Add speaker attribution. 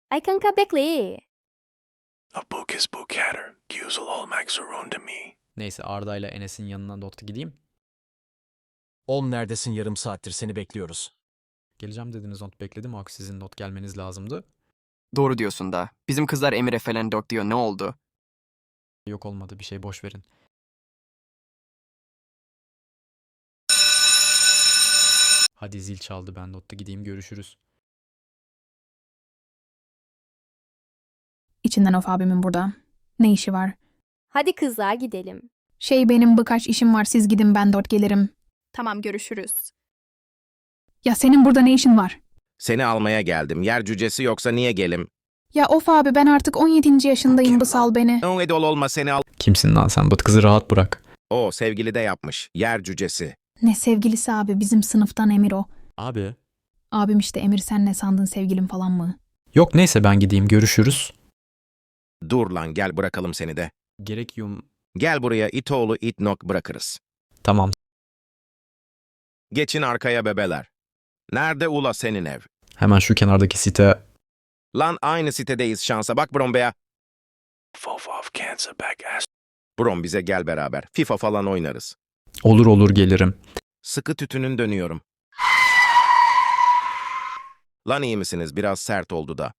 Speaker 1: Ay kanka bekle.
Speaker 2: A book is book hatter. Güzel olmak zorunda mı?
Speaker 3: Neyse Arda ile Enes'in yanına Dot'a gideyim.
Speaker 4: Oğlum neredesin, yarım saattir seni bekliyoruz.
Speaker 3: Geleceğim dediniz Dot, bekledim. Halbuki sizin Dot gelmeniz lazımdı.
Speaker 5: Doğru diyorsun da. Bizim kızlar Emir'e falan dok diyor. Ne oldu?
Speaker 3: Yok olmadı bir şey, boş verin. Hadi zil çaldı, ben Dot'ta gideyim, görüşürüz.
Speaker 6: İçinden of abimin burada. Ne işi var?
Speaker 1: Hadi kızlar gidelim.
Speaker 6: Benim birkaç işim var, siz gidin, ben dört gelirim.
Speaker 7: Tamam, görüşürüz.
Speaker 6: Ya senin burada ne işin var?
Speaker 8: Seni almaya geldim. Yer cücesi yoksa niye gelim?
Speaker 6: Ya of abi, ben artık 17. yaşındayım, sal beni.
Speaker 8: O edol olma seni al.
Speaker 3: Kimsin lan sen? Dot, kızı rahat bırak.
Speaker 8: O sevgili de yapmış. Yer cücesi.
Speaker 6: Ne sevgilisi abi, bizim sınıftan Emir o.
Speaker 3: Abi.
Speaker 6: Abim işte Emir, sen ne sandın, sevgilim falan mı?
Speaker 3: Yok neyse, ben gideyim, görüşürüz.
Speaker 8: Dur lan, gel bırakalım seni de.
Speaker 3: Gerek yum.
Speaker 8: Gel buraya, itoğlu itnok bırakırız.
Speaker 3: Tamam.
Speaker 8: Geçin arkaya bebeler. Nerede ula senin ev?
Speaker 3: Hemen şu kenardaki site.
Speaker 8: Lan aynı sitedeyiz şansa bak Brombe'ya.
Speaker 2: Fofof cancer back ass.
Speaker 8: Brom bize gel beraber. FIFA falan oynarız.
Speaker 3: Olur olur, gelirim.
Speaker 8: Sıkı tütünün dönüyorum. Lan iyi misiniz? Biraz sert oldu da.